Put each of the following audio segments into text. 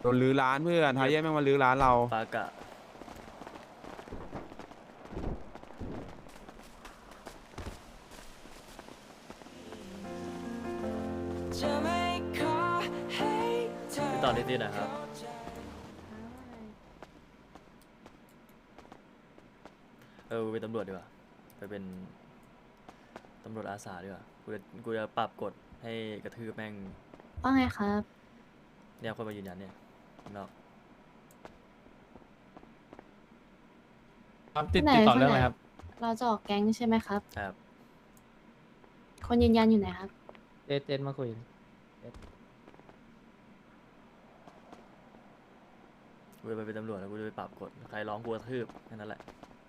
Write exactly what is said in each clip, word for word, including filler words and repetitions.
โดนลื้อร้านเพื่อนทายเย่แม่งมาลื้อร้านเราปากะพี่ต่อนิดๆนะครับเออกูเป็นตำรวจดีกว่าไปเป็นตำรวจอาสาดีกว่ากูจะกูจะปรับกฎให้กระทืบแม่งว่าไงครับเนี่ยคนมายืนยันเนี่ยข้างนอกครับติดที่ไหนติดต่อคนเรื่องไหนอะไรครับเราจะออกแก๊งใช่ไหมครับครับคนยืนยันอยู่ไหนครับเจเจนมาคุยกูจะไปเป็นตำรวจแล้วกูจะไปปรับกฎใครร้องกูกระทืบแค่นั้นแหละ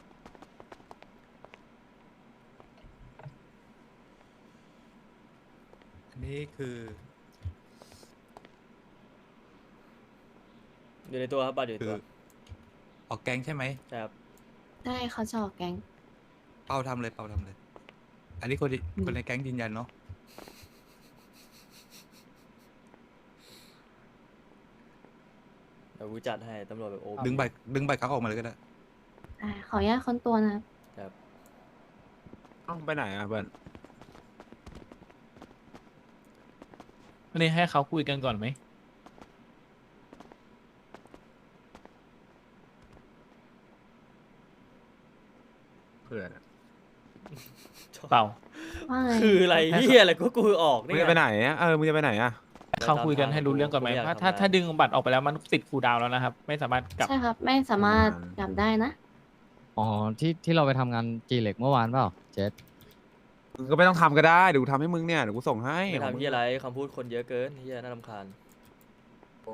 อันนี้คืออยู่ในตัวครับบัตรอยู่ในคืตัอวออกแก๊งใช่ไหมใช่ครับได้เขาจะออกแก๊งเปาทำเลยเปาทำเลย อันนี้คนที่คนในแก๊งยืนยันเนาะเดี๋ยวกูจัดให้ตำรวจแบบโอ้ดึงใบดึงใบเขาออกมาเลยก็ได้อ่า ขออนุญาตค้นตัวนะครับครับต้องไปไหนอ่ะเพื่อนวันนี้ให้เขาคุยกันก่อนไหมเพื่อนเปล่าว่าไงคืออะไรเฮียอะไรก็กูออกมึนี่งไงจะไปไหนอ่ะเออมึงจะไปไหนอ่ะเขาคุยกันให้รู้เรื่องก่อนไหมผมอยากถ้าถ้าทำงานถ้าดึงบัตรออกไปแล้วมันติดคูลดาวน์แล้วนะครับ ไม่สามารถกลับใช่ครับ ไม่สามารถกลับได้นะอ๋อที่ที่เราไปทำงานจีเหล็กเมื่อวานเปล่าเจษมึงก็ไม่ต้องทำก็ได้เดี๋ยวกูทำให้มึงเนี่ยเดี๋ยวกูส่งให้ไม่ของมึงทำเฮียอะไรคำพูดคนเยอะเกินเฮียน่ารำคาญโอ้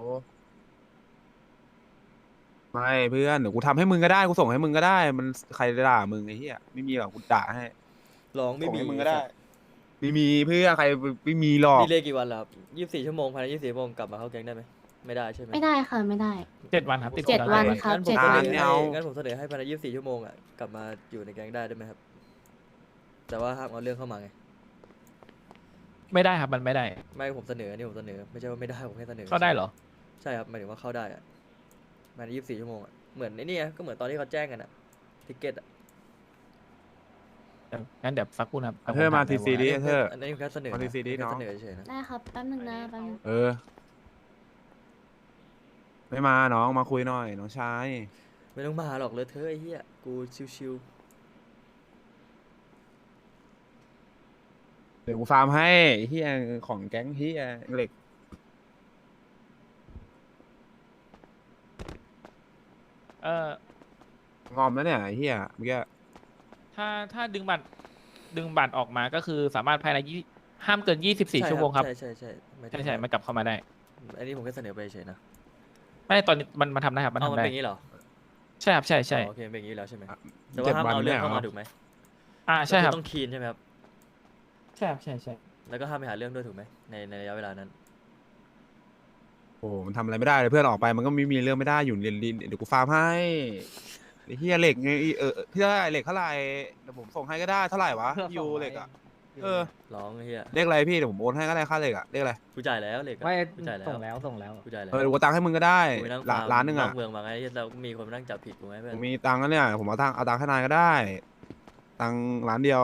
ไม่เพื่อนเดี๋ยวกูทำให้มึงก็ได้กูส่งให้มึงก็ได้ มันใครด่ามึงไอ้เหี้ยไม่มีหรอกกูด่าให้ร้องไม่ส่งมีให้มึงก็ได้ไม่มีเพื่อนใครไม่มีหรอกดีเลยกี่วันแล้วครับยี่สิบสี่ชั่วโมงภายในยี่สิบสี่ชั่วโมงกลับมาเข้าแก๊งได้ไหมไม่ได้ใช่ไหมไม่ได้ค่ะ ไม่ได้เจ็ดวันครับติดเจ็ดคูลดาวันไว้ครับงั้นผมเจ็ดเสวันนอไม่ให้เอางั้นผมเสนอให้ภายในยี่สิบสี่ชั่วโมงอ่ะกลับมาอยู่ในแก๊งได้ได้ไหมครับ แต่ว่าห้ามเอาเรื่องเข้ามาไงไม่ได้ครับมันไม่ได้ไม่ผมเสนออันนี่ผมเสนอไม่ใช่ว่าไม่ได้ผมแค่เสนอเข้าได้เหรอใช่ครับหมายถึงว่าเข้าได้อะภายในยี่สิบสี่ชั่วโมงอะเหมือนไอ้นี่ไงก็เหมือนตอนที่เขาแจ้งกันอะทิเก็ตอะงั้นเดี๋ยวสักครู่นะครับเธอมาทีซีดิอันนี้เธออันนี้ผมแค่เสนอมานะดีซีดิแค่เนาะเสนอเฉยๆนะได้ครับ แป๊บนึงนะแป๊บนึงเออ ไม่มาน้องมาคุยหน่อยน้องชายไม่ต้องมาหรอกเลยเธอะไอ้เหี้ยกูชิวเดี๋ยวกูฟาร์มให้เฮียของแก๊งเฮียเหล็กเอองอมแล้วเนี่ยไอ้เฮียเมื่อกี้ถ้าถ้าดึงบัตรดึงบัตรออกมาก็คือสามารถภายในยี่ห้ามเกินยี่สิบๆสี่ใชั่วโมงครับใช่ใช่ใช่ไม่ใช่ใช่มันกลับเข้ามาได้อันนี้ผมแค่เสนอไปเฉยนะไม่ตอนนี้มันมันทำได้ครับมันเอาทำมันได้เป็นอย่างนี้เหรอใช่ครับใช่ใช่อ๋อโอเคเป็นอย่างนี้แล้วใช่ไหมแต่เจ็ว่าดห้ามวันเอาเรื่เนี่องยเข้าเหรมาอถูกไหมอ่าใช่ครับก็อต้องคีนใช่ไหมครับใช่ครับใช่ใช่แล้วก็ห้ามไปหาเรื่องด้วยถูกไหมในในระยะเวลานั้นโอ้มันทำอะไรไม่ได้เลยเพื่อนออกไปมันก็ไม่มีเรื่องไม่ได้อยู่เรียนดินเดี๋ยวกูฟาร์มให้ไอ้เฮียเหล็กไงเออพี่เท่าไหร่เหล็กเท่าไหร่เดี๋ยวผมส่งให้ก็ได้เท่าไหร่วะยูเหล็กอ่ะเออร้องไอ้เหี้ยเลขอะไรพี่เดี๋ยวผมโอนให้ก็ได้ค่าเหล็กอ่ะเลขอะไรกูจ่ายแล้วเหล็กอะไม่กูจ่ายแล้วส่งแล้วส่งแล้วกูจ่ายแล้วเออเดี๋ยวกูตังค์ให้มึงก็ได้กูไปนั่งล้าฟาน ร์มล้านหนึงนอ่ะอกเมืองมาไงแล้วมีคนมานั่งจับผิดกูไหมเพื่อผนมมีตังค์แล้วเนี่ยผมเอาตังค์เอาตังค์ให้นายก็ได้ตังค์ล้านเดียว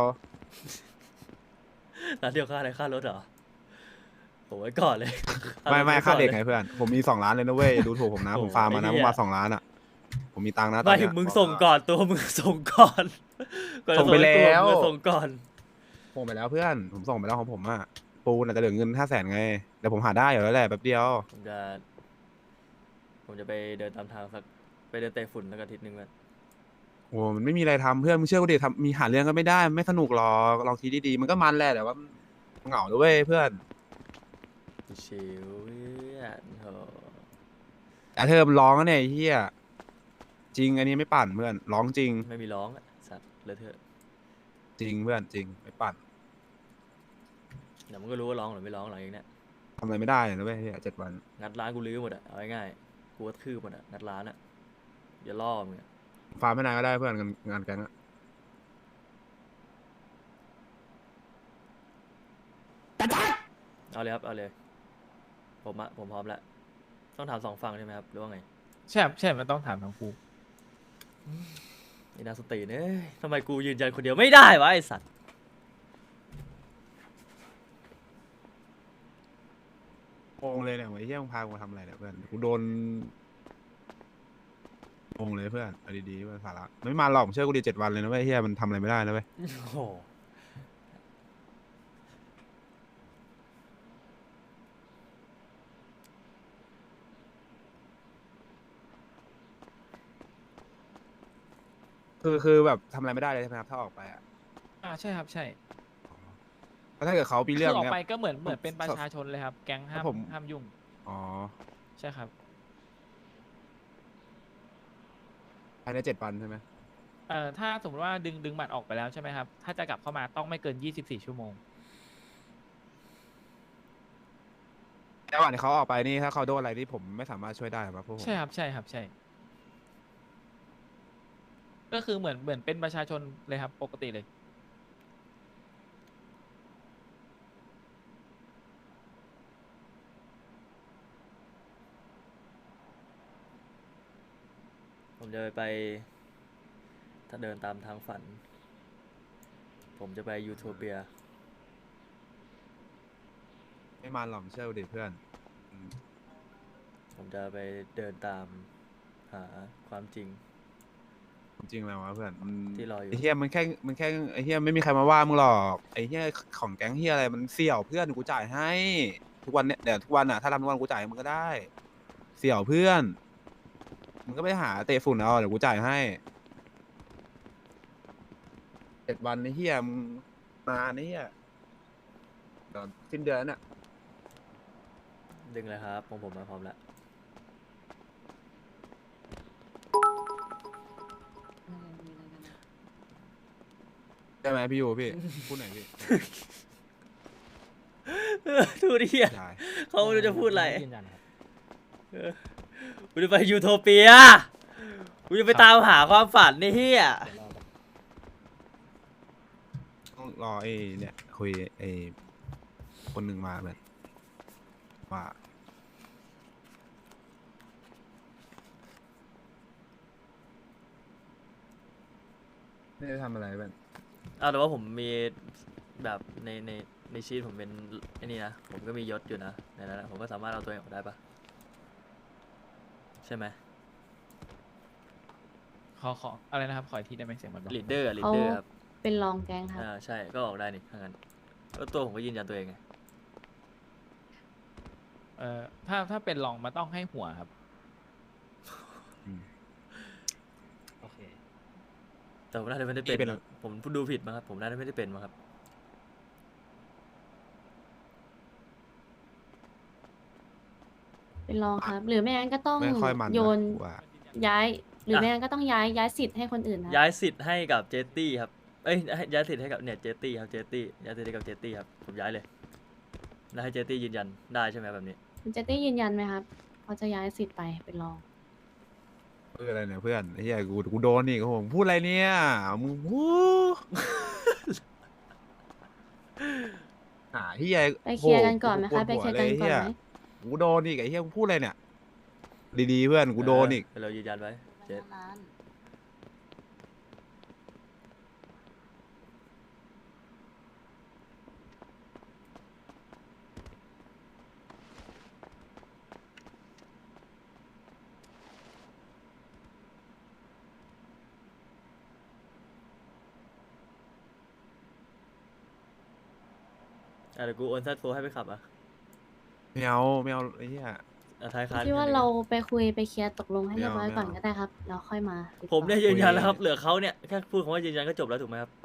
ร้านเดียวค่าอะไรค่ารถเหรอโอ้ยก่อนเลยไม่ไม่รถค่าว้อนเด็กลไงยเพื่อนผมมีสองล้านเลยนะเว้ยอย่าดูถูกผมนะโอ้ผมโหฟาร์มมานะไอ้ผเหี้มยมาสองล้านอ่ะผมมีตังค์นะตอนไม่เนี้ยมึงส่งก่อนตัวมึงส่งก่อนก่อนจะส่งไปให้กูแล้วมึงส่งก่อนส่งไปแล้วเพื่อนผมส่งไปแล้วของผมอ่ะปูนอาจจะเหลือเงินห้าแสนไงเดี๋ยวผมหาได้อยู่แล้วแหละแป๊บเดียวผมจะผมจะไปเดินตามทางสักไปเดินเตะฝุ่นแล้วก็อาทิตย์หนึงเพื่อนโอ้มันไม่มีอะไรทำเพื่อนมึงเชื่อกูดิทำมีหาเรื่องก็ไม่ได้ไม่สนุกหรอกลองคิดดีๆมันก็มันแหละแต่ว่าเหงาด้วยเพื่อนชิวๆเพื่อนโถแต่เธอมันร้องนะเนี่ยไอ้เฮียจริงอันนี้ไม่ปั่นเพื่อนร้องจริงไม่มีร้องอะสัตว์เลยเถอะจริงเพื่อนจริงไม่ปั่นเดี๋ยวมึงก็รู้ว่าร้องหรือไม่ร้องหลังจากเนี้ยทำอะไรไม่ได้นะเว้ยเฮียเจ็ดวันงัดร้านกูลื้อหมดอะเอาง่ายๆกูก็ทืบหมดอะงัดร้านอะอย่าล่อมึงอะฟาร์มไม่นานก็ได้เพื่อนงานงานแก๊งอะเอาเลยครับเอาเลยผมอะผมพร้อมแล้วต้องถามสองฝั่งใช่ไหมครับหรือว่าไงใช่ครับใช่มันต้องถามทั้งคู่ไอ้นาสติเนี่ยทำไมกูยืนยันคนเดียวไม่ได้วะไอสัตว์งงเลยเนี่ยไอ้เหี้ยมึงพากูมาทำอะไรเนี่ยเพื่อนกูโดนงงเลยเพื่อนเอาดีๆเพื่อนสาระไม่มาหรอกเชื่อกูดีเจ็ดวันเลยนะเว้ยเหี้ยมันทำอะไรไม่ได้นะเว้ยโอ้โหคือคือแบบทำอะไรไม่ได้เลยใช่ไหมครับถ้าออกไปอ่ะอ่าใช่ครับใช่แล้วถ้าเกิดเขาปีคืเรื่องอออกเนี้ยไปก็เหมือนเหมือนเป็นผมประชาชนเลยครับ แก๊งห้ามผมห้ามยุ่งอ๋อใช่ครับภายในเจ็ดวันใช่ไหมเอ่อถ้าสมมติว่าดึงดึงบัตรออกไปแล้วใช่ไหมครับ ถ้าจะกลับเข้ามาต้องไม่เกินยี่สิบสี่ชั่วโมงระหว่างที่เขาออกไปนี่ถ้าเขาโดนอะไรที่ผมไม่สามารถช่วยได้ครับพวกผมใช่ครับใช่ครับใช่ ก็คือเหมือนเหมือนเป็นประชาชนเลยครับ ปกติเลยผมจะไป ถ้าเดินตามทางฝัน ผมจะไปยูโทเปียไม่มาหรอกเชื่อกูดิเพื่อนอืมผมจะไปเดินตามหาความจริงจริงแล้ววะเพื่อนมันที่รออยู่ไอ้เฮียมันแค่มันแค่ไอ้เฮียไม่มีใครมาว่ามึงหรอกไอ้เฮียของแก๊งเฮียอะไรมันเสี่ยวเพื่อนกูจ่ายให้ ทุกวันเนี่ยเดี๋ยวทุกวันอ่ะถ้าทำทุกวันกูจ่ายให้มึงก็ได้ เสี่ยวเพื่อนมึงก็ไปหาเตะฝุ่นเอาเดี๋ยวกูจ่ายให้เจ็ดวันไอ้เฮียมึงมาไอ้เฮียเดี๋ยวสิ้นเดือนน่ะดึงเลยครับของผมมาพร้อมแล้วใช่ไหมพี่ยูพี่พูดหน่อยพี่ทูดิอ่ะใช่เขาไม่รู้จะพูดอะไรยืนยันครับกูจะไปยูโทเปีย กูจะไปตามหาความฝันนี่เฮียต้องรอไอ้เนี่ยคุยไอ้คนหนึ่งมาแบบว่าไม่ได้ทำอะไรแบบอ้าวแต่ว่าผมมีแบบในในในชีตผมเป็นไอ้นี่นะ ผมก็มียศอยู่นะในนั้นนะผมก็สามารถเอาตัวเองออกได้ปะใช่ไหมขอขออะไรนะครับ ขออีกทีได้ไหมเสียงมันเบาลีดเดอร์ลีดเขาเดอร์ครับเป็นรองแก๊งครับอ่าใช่ก็ออกได้นี่ถ้างั้นก็ตัวผมก็ยืนยันตัวเองไงเอ่อถ้าถ้าเป็นรองมาต้องให้หัวครับโอเคแต่ผมน่าจะไม่ได้เป็นเป็นนะผมดูผิดมั้งครับผมน่าจะไม่ได้เป็นมั้งครับเป็นรองครับ หรือไม่งั้นก็ต้องไม่ค่อยมันนะโยนกูว่าย้าย หรืออ่ะไม่งั้นก็ต้องย้ายย้ายสิทธิ์ให้คนอื่นครับย้ายสิทธิ์ให้กับเจตตี้ครับ เอ้ยให้ย้ายสิทธิ์ให้กับเนี่ยเจตตี้ครับเจตตี้ย้ายสิทธิ์ให้กับเจตตี้ครับผมย้ายเลยแล้วให้เจตตี้ยืนยันได้ใช่ไหมแบบนี้คุณเจตตี้ยืนยันไหมครับเขาจะย้ายสิทธิ์ไปเป็นรองเพื่ออะไรเนี่ยเพื่อนไอ้เหี้ยกูกูโดนนี่กูพูดอะไรเนี่ยมึงพูด หาเหี้ยไปเคลียร์กันก่อนไหมโโคะไปเคลียร์กันก่อนไหมกูโดนอีกไอ้เหี้ยกูพูดอะไรเนี่ยดีๆเพื่อนกูโดนอีกเเรายืนยันไว้เจต อ่ะเดี๋ยวกูโอนซัดโฟให้ไปขับอ่ะไม่เอาไม่เอาไอ้เหี้ยอ่ะท้ายคันพี่ว่าคันหนึ่งเราไปคุยไปเคลียร์ตกลงให้ไม่เรียบเอาร้อยไม่ก่อนเอาก็ได้ครับแล้วค่อยมาติดต่อผมเนี่ยยืนยันแล้วครับคุยเหลือเขาเนี่ยแค่พูดคำว่ายืนยันก็จบแล้วถูกไหมครับ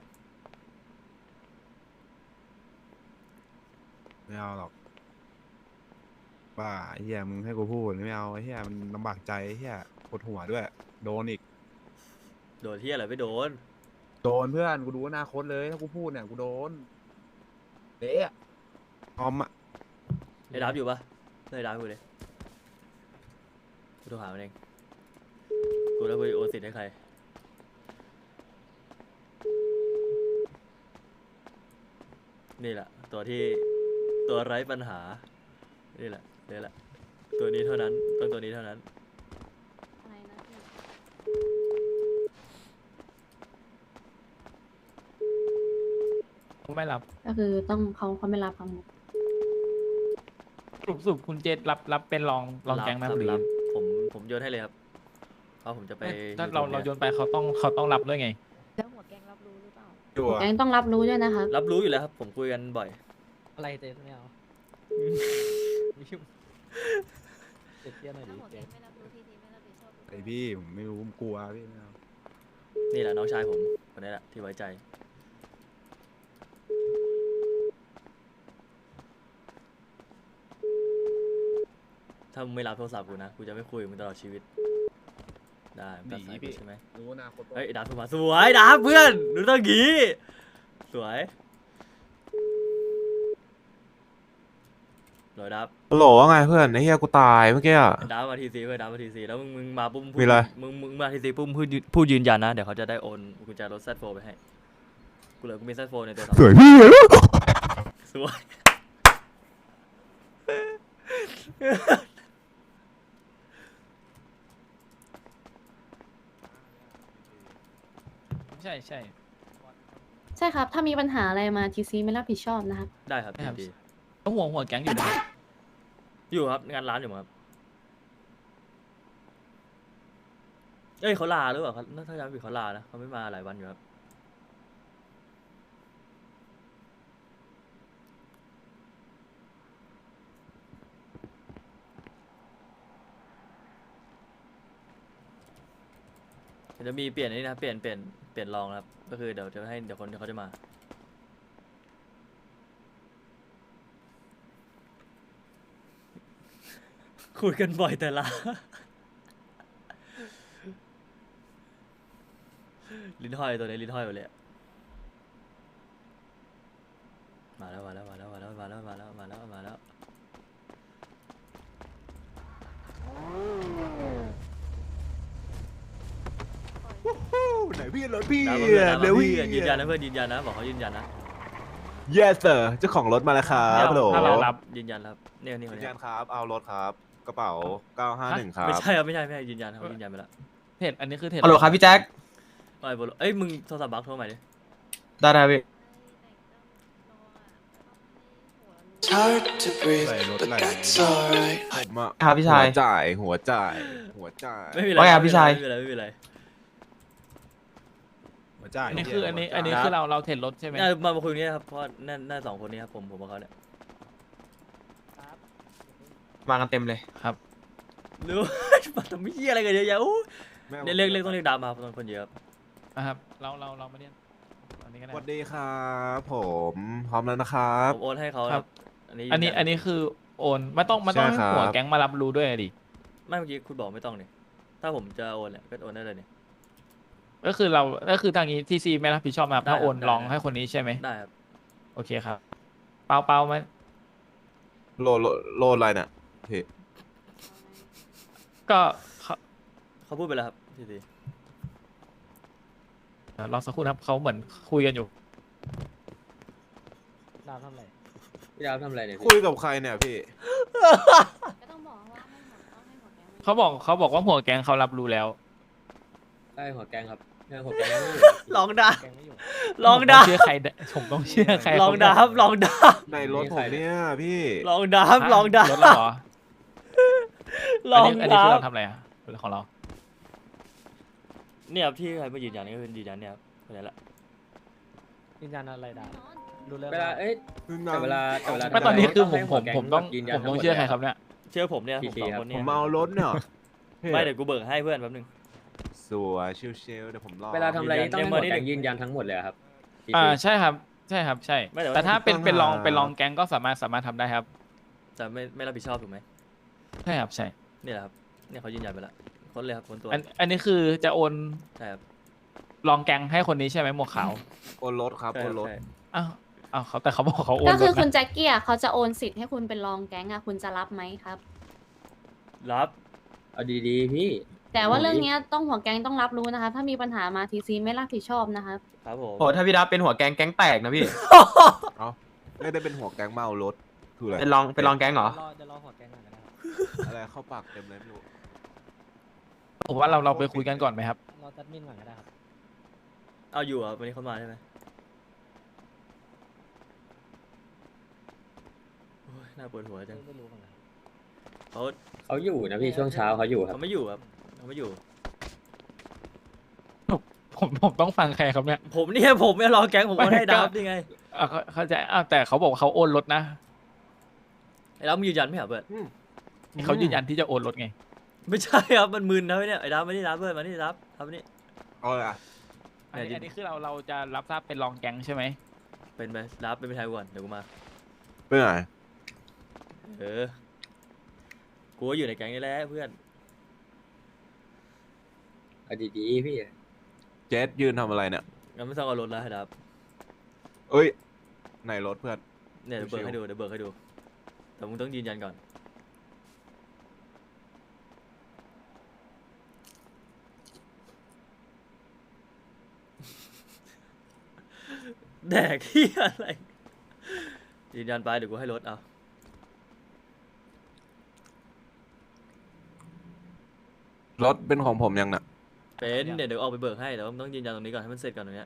ไม่เอาหรอกบ้าไอ้เหี้ยมึงให้กูพูดไม่เอาไอ้เหี้ยมันลำบากใจไอ้เหี้ยปวดหัวด้วย โดนอีกโดนที่อะไรไม่โดนโดนเพื่อนกูดูอนาคตเลยถ้ากูพูดเนี่ยกูโดนเละอะออมอะไอ้ดับอยู่ปะไอ้ดับอยู่เลยกูโทรหามันเองกูแล้วไปโอนสิทธิ์ให้ใครนี่แหละตัวที่ตัวไร้ปัญหานี่แหละนี่แหละตัวนี้เท่านั้นต้องตัวนี้เท่านั้นอะไรนะพี่เขาไม่รับก็คือต้องเขาเขาไม่รับคำสรุปสรุปคุณเจษรับรับเป็นรองรองแก๊งไหมคครัรับบหรือรับผมผมโยนให้เลยครับเพราะผมจะไปถ้าเราเราโยนไปเขาต้องเขาต้องรับด้วยไงแล้วหัวแกงรับรู้หรือเปล่าชัวหัวร์แกงต้องรับรู้ด้วยนะครับรับรู้อยู่แล้วครับผมคุยกันบ่อยอะไรเจ๊ไม่เอาไม่ยุ่งเจ๊เตี้ยหน่อยดิเจ๊ไอพี่ผมไม่รู้ผมกลัวพี่ไม่เอานี่แหละน้องชายผมคนนี้แหละที่ไว้ใจ ถ้ามึงไม่รับโทรศัพท์กูนะ กูจะไม่คุยกับมึงตลอดชีวิต ได้มึงตัดสายกูใช่ไหมรู้อนาคตเฮ้ยดับโทรมาสวยดับเพื่อนดูต้องงี้ สวยรอยดับฮัลโหลว่าไงเพื่อนไอ้เหี้ยกูตายเมื่อกี้อะดับมาทีซีเพื่อนดับมาทีซีแล้วมึงมึงมาปุ๊บพูดมีอะไรมึงมึงมาทีซีปุ๊บพูดยืนพูดยืนยันนะ เดี๋ยวเขาจะได้โอนกุญแจรถแซดโฟไปให้ กูเหลือกูมีแซดโฟในตัวสวยพี่สวยใช่ใช่ใช่ครับ ถ้ามีปัญหาอะไรมาทีซีไม่รับผิดชอบนะครับได้ครับครับดีต้องห่วงหัวแก๊งอยู่นะอยู่ครับงานร้านอยู่มั้งครับเอ้ยเขาลาหรือเปล่าครับถ้าจำไม่ผิดเขาลานะเขาไม่มาหลายวันอยู่ครับเดี๋ยวจะมีเปลี่ยนอันนี้นะเปลี่ยนเปลี่ยนเปลี่ยนรองนะครับก็คือเดี๋ยวจะให้เดี๋ยวคนที่เขาจะมาคุยกันบ่อยแต่ละ ลิ้นห้อยตัวนี้ลิ้นห้อยหมดเลยอะมาแล้วมาแล้วมาแล้วมาแล้วมาแล้วมาแล้วมาแล้วมาแล้วไหนพี่รถพี่ดาวเพื่อนเร็วพี่ยืนยันนะเพื่อนยืนยันนะบอกเขายืนยันนะ yes sir เจ้าของรถมาแล้วครับฮัลโหลถ้าเรารับยืนยันครับเนี่ยนี่คนยืนเนี้ยัยนครับเอารถครับกระเป๋าเก้าห้าหนึ่งครับไม่ใช่ครับไม่ใช่ไม่ใช่ยืนยันเขายืนยันไปแล้วเทรดอันนี้คือเทรดฮัลโหลครับพี่แจ็คไม่บอลเอ้ยมึงโทรศัพท์บักโทรใหม่ดิได้ได้พี่ It's hard to breathe, ไหลรถ but ไหล that's alright. ผมอะครับพี่ชายหัวจ่ายหัวจ่ายหัวจ่ายไม่มีอะไรว่าไงพี่ชายไม่มีอะไรไม่มีอะไรหัวจ่ายอันนี้คืออันนี้อันนี้คือเราเราเทรดรถใช่ไหมน่ามามาคุยตรงนี้นะครับเพราะน่าน่าสองคนนี้ครับผมผมกับเขาเนี่ยมากันเต็มเลยครับหรือว่า มาทำเหี้ยอะไรกันเยอะแยะอู้แม่เนี่ยเรียกเรียกต้องเรียกดาวมาครับตอนคนเยอะครับนะครับเราเราเรามาเรียนอันนี้ก็สได้วัสดีครับผมพร้อมแล้วนะครับผมโอนให้เขาคครัรับ บ อันนี้อันนี้ยืยัอันนี้คือโอนไม่ต้องไม่ต้องใช่ให้ครับหัวแก๊งมารับรู้ด้วยดิไม่เมื่อกี้คุณบอกไม่ต้องเนี่ยถ้าผมจะโอนเนี่ยก็โอนได้เลยเนี่ยก็คือเราก็คือทางนี้ทีซีไม่รับผิดชอบนะครับได้ถ้าโอนได้ลองได้ให้คนนี้ใช่ไหมได้ครับโอเคครับ เปล่าเปล่าไหมโลโลโลอะไรเนี่ยพี่ก็เขาเขาพูดไปแล้วครับทีทีเอ่อรอสักครู่นะครับเขาเหมือนคุยกันอยู่ดาวทำอะไรพี่ดาวทำอะไรเนี่ยคุยกับใครเนี่ยพี่ก็ต้องบอกว่าให้หัวต้องให้หัวแกงมาเขาบอกเขาบอกว่าหัวแก๊งเขารับรู้แล้วได้หัวแกงครับหัวแกงไม่อยู่ลองดาแกงไม่อยู่ลองดาผมต้เชื่อใครได้ผมต้องเชื่อใครลองดาครับลองดาในรถผมเนี่ยพี่ลองดาครับลองดารถเราเหรอลองอันนี้อันนี้ดาคือเราทำอะไรอ่ะรถของเราเนี่ยครับที่ใครมายืนยันนี่ก็เป็นยืนยันเนี่ยครับคนนี้แหละยืนยันอะไรดาวรู้เรื่องเวลาเอ้ย แต่เวลาแต่เวลาไม่ตอนนี้คือผมให้ผหัวมแก๊งผมต้องยืนยันผมต้องทั้งหมดเชื่อใครเลยครับเนี่ยเชื่อผมเนี่ยผมทีสองครับคนผเนี่ยมเมารถเนี่ยพี่ไม่เดี๋ยวกูเบิกให้เพื่อนแป๊บนึงสวยชิวๆเดี๋ยวผมรอเวลาทำอะไรนี่ต้องให้หัวยืนยันแก๊งยืนยันทั้งหมดเลยอะครับอ่าใช่ครับใช่ครับใช่ไม่แต่ว่าแต่ถ้าเป็นเป็นรองเป็นรองแก๊งก็สามารถสามารถทำได้ครับแต่ไม่ไม่รับผิดชอบถูกไหมใช่ครับใช่นี่แหละครับเนี่ยเขายืนยันไปแล้วคนเลยครับคนตัวอันอันนี้คือจะโอนใช่ครับรองแก๊งให้คนนี้ใช่ไหมหมวกขาวโอนรถครับใช่โอนรถใช่อ้าวอ้าวเขาแต่เขาบอกเขาโอนก็คือรถคุณนะแจ็คกี้อ่ะเขาจะโอนสิทธิ์ให้คุณเป็นรองแก๊งอ่ะคุณจะรับไหมครับรับเอาดีๆพี่แต่ว่าเรื่องเนี้ยต้องหัวแก๊งต้องรับรู้นะคะ ถ้ามีปัญหามาทีซีไม่รับผิดชอบนะครับครับผมโอ้ถ้าพี่ดาวเป็นหัวแก๊งแก๊งแตกนะพี่เอ้าไม่ได้เป็นหัวแก๊งเมารถคืออะไรเป็นรองเป็นรองแก๊งเหรอรอจะรอหัวแก๊งก่อนนะครับอะไรเข้าปากเต็มเลยไม่รู้ผมว่าเราเราไปคุยกันก่อนไหมครับรอจัดมินก่อนก็ได้ครับเอาอยู่อ่ะวันนี้เขามาใช่ไหมโอ้ยน่าปวดหัวจังไม่รู้เหมือนกันเขาเขาอยู่นะพี่ช่วงเช้าเขาอยู่ครับเขาไม่อยู่ครับเขาไม่อยู่ผมผมต้องฟังใครครับเนี่ยผมเนี่ยผมไม่รอแก๊งผมไม่ก็ให้ก็ดับนี่ไงอ่ะเขาเข้าใจอ่ะแต่เขาบอกว่าเขาโอนรถนะไอ้ดับมึงยืนยันไม่เหรอเบิร์ดเขายืนยันที่จะโอนรถไงไม่ใช่ครับมันมึนนะเนี่ยไอ้ดับไม่ได้รับเบิร์ดมานี่รับรับนี่เอาเลยอ่ะอันนี้เนี่ยอันนี้คือเราเราจะรับทราบเป็นรองแก๊งใช่ไหมเป็นไหมรับเป็นไปไทยก่อนเดี๋ยวกูมาเพื่อนเออกูก็อยู่ในแก๊งนี่แหละเพื่อนเอาดีๆพี่เจสยืนทำอะไรเนี่ยงั้นไม่ต้องเอารถแล้วให้ดับเอ้ยไหนรถเพื่อนเนี่ยเดี๋ยวเบิร์ดให้ดูเดี๋ยวเบิร์ดให้ดูแต่มึงต้องยืนยันก่อน แดกที่อะไรยืนยันไปเดี๋ยวกูให้รถเอารถเป็นของผมยังน่ะเป็นเดี๋ยวเดี๋ยวออกไปเบิกให้แต่ว่ามึงต้องยืนยันตรงนี้ก่อนให้มันเสร็จก่อนตรงเนี้ย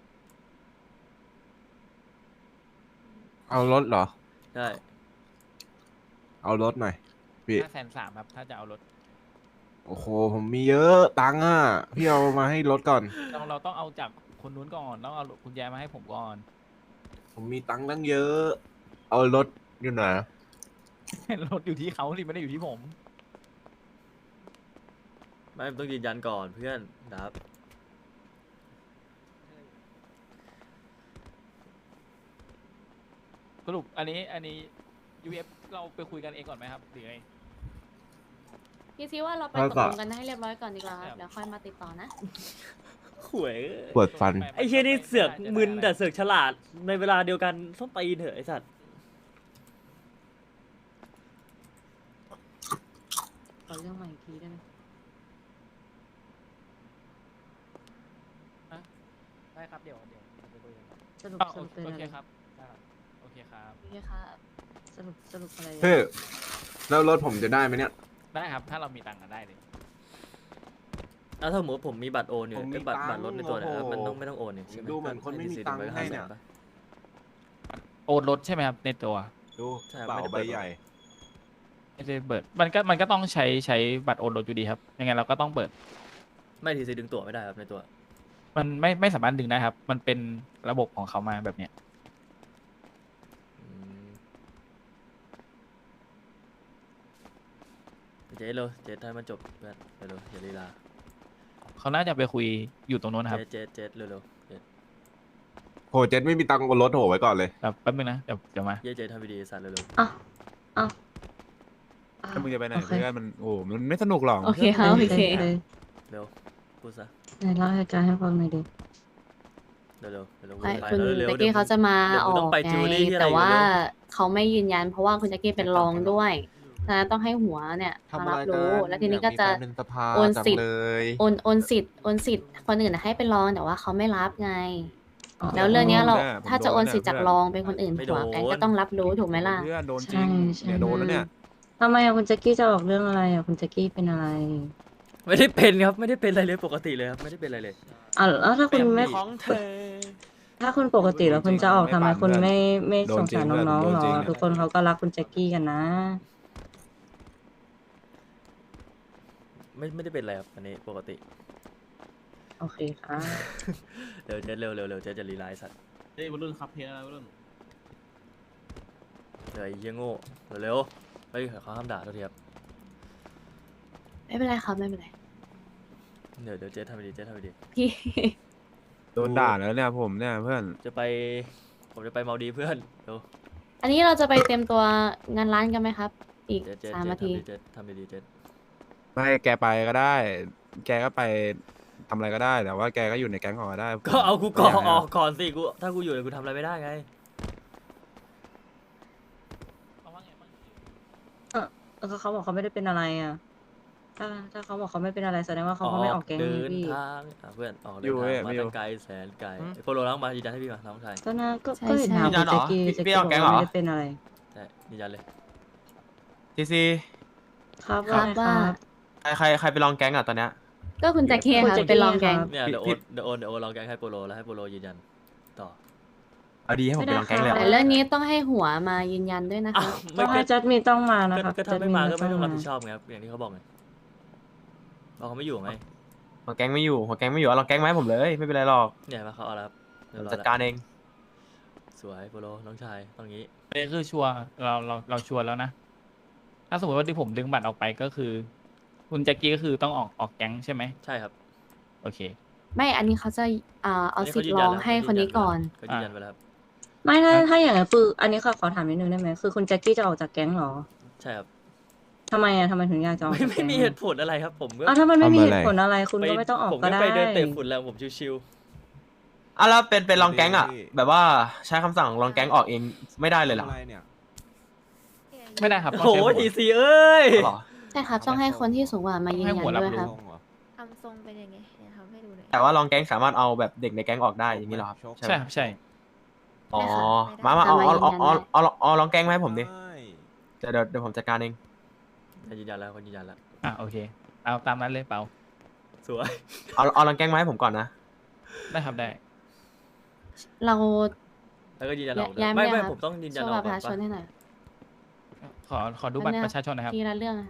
เอารถเหรอใช่เอารถหน่อยพี่ห้าแสนสามครับ ถ้าจะเอารถโอ้โหผมมีเยอะตังค์อ่ะพี่เอามาให้รถก่อนเราเราต้องเอาจากคนนู้นก่อนต้องเอากุญแจมาให้ผมก่อนผมมีตังค์ตั้งเยอะ เอารถอยู่ไหนรถอยู่ที่เขาสิไม่ได้อยู่ที่ผมไม่มึงต้องยืนยันก่อนเพื่อนดับสรุปอันนี้อันนี้ ยู เอฟ เราไปคุยกันเองก่อนไหมครับหรือไงพี่ซีว่าเราไปแล้วตก็กลงกันให้เรียบร้อยก่อนดีกว่าครับเดี๋ยวค่อยมาติดต่อนะขวยปวดฟันไอ้เชี่ยนี่เสือกมึนแต่เสือกฉลาดในเวลาเดียวกันต้องตีนเถอะไอ้สัตว์ขอเรื่องใหม่อีกทีได้ไหมได้ครับเดี๋ยวเดี๋ยวไปคุยกันสรุปอ้าวสรุปเป็นโออะเคไรครับได้ครับโอเคครับโอเคค่ะสรุปสรุปอะไรเฮ้ยแล้วรถผมจะได้ไหมเนี่ยได้ครับ ถ้าเรามีตังค์ก็ได้เลยแล้วถ้าสมมติผมมีบัตรโอนอยู่ผมมีไอ้บัตรตังค์บัตรรถในตัวเนี่ยโอ้โหมันต้องไม่ต้องโอนนี่ใช่ไหมดูเหมือนคนไม่มีตังค์ให้เนี่ยโอนรถใช่ไหมครับในตัวดูใช่เป๋าไม่ได้ใบเปิดใหญ่ไม่ได้เปิดมันก็มันก็ต้องใช้ใช้บัตรโอนรถอยู่ดีครับยังไงเราก็ต้องเปิดไม่ทีซีดึงตั๋วไม่ได้ครับในตัวมันไม่ไม่สามารถดึงได้ครับ มันเป็นระบบของเขามาแบบเนี้ยอืมเจ๊เร็วเจ๊ให้มันจบเพื่อนเร็วๆอย่าลีลาเขาน่าจะไปคุยอยู่ตรงนู้นนะครับเจ๊เจ๊เจ๊เร็วๆเจ๊โหเจสไม่มีตังค์บนรถโหไว้ก่อนเลยแบบแป๊บนึงนะเดี๋ยวเดี๋ยวมาเจ๊เจ๊ทำวิดีสัตว์เร็วอ้าวอ้าวถ้ามึงจะไปไหนโอเคเพื่อนมันโอ้มันไม่สนุกหรอกโอเคครับโอเคๆเร็วพูดซะไหนเล่าให้อาจารย์ให้ฟังหน่อยดิเร็วๆเร็วๆไอ้ไปคุณเร็วๆแจ็คเดี๋กี้ยวเขาจะมาเดี๋ยวอกูอต้อก งไปไงจูลี่ที่อะไรแต่ว่าเร็วเขาไม่ยืนยัน เพราะว่าคุณแจ็คกี้เป็นรองด้วยฉะนั้นต้องให้หัวเนี่ยมารับรู้ แล้วทีนี้ก็จะเป็นสภาโอนสิทธิ์จังเลยโอนโอนสิทธิ์โอนสิทธิ์คนอื่นน่ะให้เป็นรองแต่ว่าเขาไม่รับไง แล้วเรื่องเนี้ยเราผมโดนเนี่ยถ้าจะโอนสิทธิ์จากผมโดนรองเป็นคนอื่นไม่หัวโดนแก๊งก็ต้องรับรู้ถูกไหมล่ะเพื่อนโดนจริงใช่เนี่ยโดนแล้วเนี่ยทำไมอะคุณแจ็คกี้จะออกเรื่องอะไรอะคุณแจ็คกี้เป็นอะไรไม่ได้เป็นครับไม่ได้เป็นอะไรเลยปกติเลยครับไม่ได้เป็นอะไรเลยอ่ะแล้วถ้าคุณไม่ของเธอถ้าคุณปกติแล้วคุณจะออกทำไมคุณไม่ไม่โดสนงจริงสารน้องๆโดนหรจริองอะทุกคนเขาก็รักคุณแจ็คกี้กันนะไม่ไม่ได้เป็นอะไรครับอันนี้ปกติโอเคค่ะเร็วเจ๊เร็วเร็วเร็วเจ๊จะรีไลน์สัตว์เฮ้ยวัยรุ่นครับเพียวัยรุ่นเดี๋ยวไอ้เหี้ยโง่เร็วๆเฮ้ยเขาห้ามด่าเท่าทีครับไม่เป็นไรครับไม่เป็นไรเดี๋ยวเดี๋ยวเจ๊ทำไปดีเจ๊ทำไปดีพี่โดนด่าแล้วเนี่ยผมเนี่ยเพื่อนจะไปผมจะไปเมาดีเพื่อนเร็วอันนี้เราจะไปเตรียมตัวงานร้านกันไหมครับ อีกเจ๊เจ๊สามเจ๊นาทีทำดีเจ๊ทำดีเจ๊ไม่แกไปก็ได้ แกก็ไปทำอะไรก็ได้ แต่ว่าแกก็อยู่ในแก๊งของก็ได้ก็เอากูก่อนย่างอนั้นอกก่อนสิกูถ้ากูอยู่เนี่ยกูทำอะไรไม่ได้ไงเขาว่าไงบ้างเออเขาบอกเขาไม่ได้เป็นอะไรอ่ะ ถ้าถ้าเขาบอกเขาไม่เป็นอะไรแสดงว่าเขาก็ไม่ออกแก๊งเดินี่นพี่ทางอ่ะเพื่อนออกเดิอยู่นเว้ทาย งมาไม่อยู่ตั้งไกลแสนไกลไอ้โปโลล้างมายืนยันให้พี่มาน้องชายก็น่าก็ใช่ก็เห็นใช่ถามคุณแจ็คกี้พี่แจ็คพี่กี้อบอกอกแก๊งว่าเหรอไม่ได้เป็นอะไรใช่ยืนยันเลยทีซีครับครับว่าว่าไงครับใครใครใครไปลองแก๊งอ่ะตอนเนี้ยก็คุณแจ็คเค่ะคุณแจ็คไปลองแกงครับเนี่ยเดี๋ยวโอพี่นเดี๋ยวโอนเดี๋ยวโอนลองแกงให้โปโลแล้วให้โปโลยืนยันต่อเอาดีให้ผมไปลองแก๊งเลยแต่เหรอเรื่องนี้ต้องให้หัวมายืนยันด้วยนะอ้าคะวต้ไม่องให้ก็จัดมีต้องมานะก็ครับก็ถ้าไม่มาก็ไม่ต้องรับจัดผิดชอบไงครับอย่างที่เขาบอกไงเพราะเขาไม่อยู่ไงหัวแก๊งไม่อยู่หัวแก๊งไม่อยู่เอาลองแก๊งมาให้ผมเลยไม่เป็นไรหรอกเนี่ยมาเขาเอาแล้วครับผเรียมบร้อยจัดแล้วการเองสวยโปโลน้องชายตรงนี้อันนี้คือชัวร์เราเราเราชัวร์แล้วนะ ถ้าสมมติว่าที่ผมดึงบัตรออกไปก็คือ คุณแจ็คกี้ก็คือต้องออกออกแก๊งใช่ไหมใช่ครับโอเคไม่ อันนี้เขาจะอ่าเอานนี้สิทธิ์ร้องให้คนนี้ก่อนเขายืนยันไปแล้วครับไม่ถ้าถ้าอย่างนั้นคืออันนี้ขอขอถามนิดนึงได้ไหมคือคุณแจ็คกี้จะออกจากแก๊งเหรอใช่ครับทำไมอ่ะทำไมถึงอยากจะออกไม่จากไม่แก๊งมีเหตุผลอะไรครับ ผมก็อ้าวถ้ามันไม่มีทำเหอะไรตุผลอะไร คุณก็ไม่ต้องออกผมก็ก็ได้ไปเดินเตะฝุ่นแล้วผมชิวอ่ะแล้วเป็นเป็นลองแก๊งอ่ะแบบว่าใช้คำสั่งลองแก๊งออกเองไม่ได้เลยเหรออะไรเนี่ยไม่ได้ครับๆต้โอ้องโหใช้หัวทีซีเอ้ยเหรอใช่ครับ ต้องให้คนที่สูงกว่ามายืนยันให้หัวรับด้วยรู้ครับทำทรงเป็นยังไงเดี๋ยวทำให้ดูหน่อยแต่ว่าลองแก๊งสามารถเอาแบบเด็กในแก๊งออกได้อย่างนี้เหรอครับใช่ไหมครับใช่อ๋อไม่มาได้มาเอาเอาเอาแต่มายืนยันเอาได้เอาเอาเอาลองแก๊งมาให้ผมดิใช่เดี๋ยวเดี๋ยวเดี๋ยวผมจัดการเองยืนยันแล้วคนยืนยันแล้วอ่ะโอเค เอาตามนั้นเลยเปล่าสวยเอาเอาลองแก๊งมาให้ผมก่อนนะได้ครับได้เราแล้วก็ยืนยันออกด้วยย้ายไม่ไม่ได้ไม่ครับผมต้องยืนยันโชอว์อบักตรปก่อระนชาชนปะให้หน่อยขอขอดูบัตรประชาชนนะครับทีละเรื่องอะ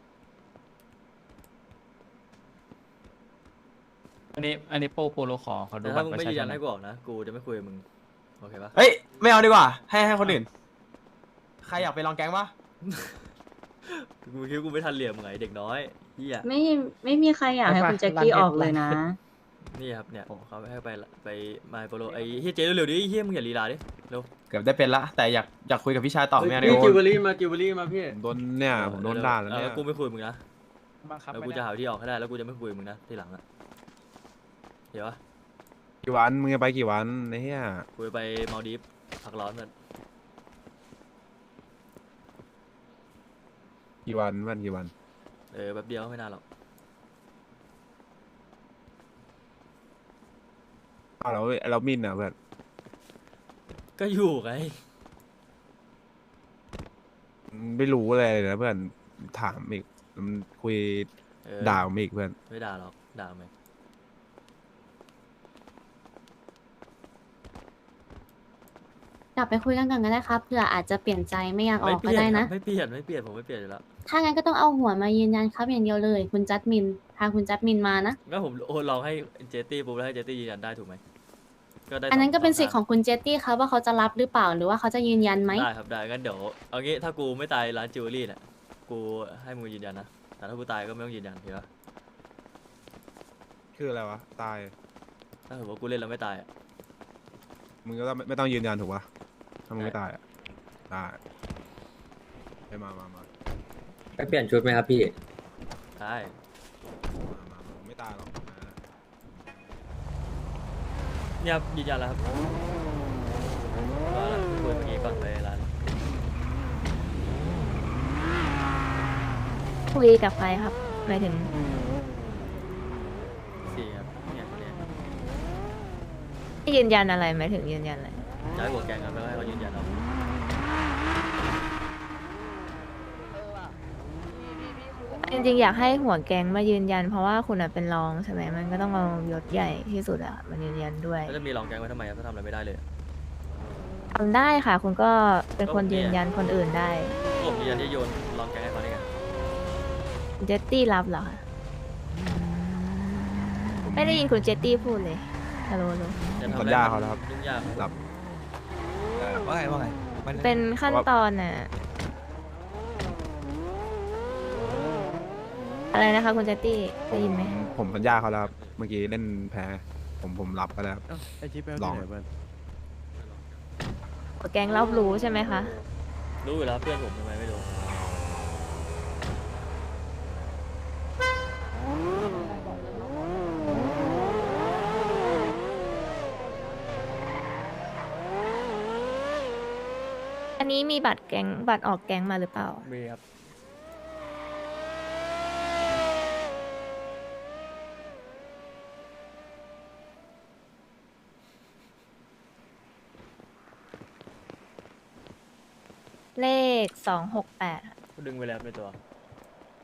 อันนี้อันนี้โปโปโลขอขอดูแต่บัถ้าตรมึงประไม่ชายืนชยันนหน่ให้อยกูออกนะ กูจะไม่คุยกับมึง โอเคปะเฮ้ยไม่เอาดีกว่า ให้ให้คนอื่น ใครอยากไปลองแก๊งปะกูคิดว่ากูไม่ทันเหลี่ยมมึงไงเด็กน้อยเฮียไม่ไม่มีใครอยากให้คุณแจ็คกี้ออกเลยนะนี่ครับเนี่ยเขาให้ไปละไปมาโปโลไอ้เฮียเจ๊เร็วๆดิเฮียมึงอย่าลีลาดิเร็วเกือบได้เป็นละแต่อยากอยากคุยกับพี่ชายต่อไม่เอาดีพี่กจิวเวว่าลรี่มาจิวเวลรี่มาพี่ผมโดนเนี่ยผมโดนด่าแล้วเนี่ยออกูไม่คุยกับมึงนะบังคับแล้วไม่กูได้จะหาวิธีออกให้ได้แล้วกูจะไม่คุยกับมึงนะทีหลังอะเดี๋ยววะกี่วันมึงจะไปกี่วันไอ้เหี้ยกูจะไปมาลดีฟพักร้อนมันกี่วันวันกี่วันเออแป๊บเดียวไม่นานหรอกอ้าวเราเรามินอ่ะเพื่อนก็อยู่ไงไม่รู้อะไรเลยนะเพื่อนถามอีกมันคุยเออด่าผมอีกเพื่อนไม่ด่าหรอกด่าไหมกลับไปคุยกันก่อนก็ได้ครับเผื่ออาจจะเปลี่ยนใจไม่อยากอไม่อกเปก็ลี่ยนได้ครันะบไม่เปลี่ยนไม่เปลี่ยนผมไม่เปลี่ยนอยู่แล้วถ้างั้นก็ต้องเอาหัวมายืนยันครับอย่างเดียวเลย คุณจัดมินพาคุณจัดมินมานะก็ผมโอนลองให้เจตี้ปุ๊บแล้วให้เจตี้ยืนยันได้ถูกไหมก็ได้อันนั้นก็เป็นสิทธิ์ขของ องคุณเจตตี้ครับว่าเขาจะรับหรือเปล่าหรือว่าเขาจะยืนยันไหมได้ครับได้งั้นเดี๋ยวเอางี้ถ้ากูไม่ตายร้านจิวเวลรี่เนี่ยกูให้มึงยืนยันนะแต่ถ้ากูตายก็ไม่ต้องยืนยันเห็นปะคืออะไรวะตายถ้าถือว่ากูเล่นแล้วไม่ตายอะมึงก็ต้องไม่ต้องยืนยันถูกปะถ้ามึงไม่ตายอ่ะได้ไปมามามาไปเปลี่ยนชุดไหมครับพี่ได้มามามาไม่ตายหรอกมาเนี่ยครับยืนยันแล้วครับว่าแล้วคุยเมื่อกี้ก่อนไปร้านคุยกับใครครับหมายถึงสี่ครับเนี่ยคนเนี้ยยืนยันอะไรหมายถึงยืนยันอะไรย้ายหัวแกงกันแล้วให้เขายืนยันเอาจริงๆอยากให้หัวแก๊งมายืนยันเพราะว่าคุณอะเป็นรองใช่ไหมมันก็ต้องเอายศใหญ่ที่สุดอะมายืนยันด้วยแล้วจะมีรองแกงไว้ทำไมครับถ้าทำอะไรไม่ได้เลยทำได้ค่ะ คุณก็เป็นคนยืนยันคนอื่นได้ผมยืนยันที่โยนรองแกงให้เขาได้ไงเจตตี้รับเหรอคะไม่ได้ยินคุณเจตตี้พูดเลยฮัลโหลฮัลโหลจะผมทำสัอะญไรญาเขาแล้วครับยุ่งยากหลับเออว่าไงว่าไงมันเป็นขั้นตอนน่ะอะไรนะคะคุณเจตตี้ได้ยินไหมผมผมสัญญาเขาแล้วครับเมื่อกี้เล่นแพ้ ผมผมรับก็แล้วครับไอชิปไปลองเพื่อนหัวแก๊งรับรู้ใช่ไหมคะรู้อยู่แล้วเพื่อนผมทำไมไม่รู้อันนี้มีบัตรแก๊งบัตรออกแก๊งมาหรือเปล่ามีครับเลขสองหกแปดดึงไปแล้วในตัว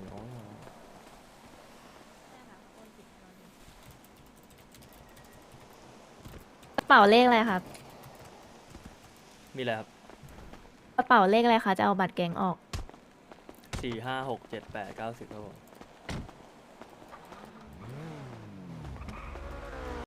อ๋อกระเป๋าเลขอะไรครับมีอะไรครับกระเป๋าเลขอะไรคะจะเอาบัตรแก๊งออกสี่ห้าหกเจ็ดแปดเก้าสิบครับผม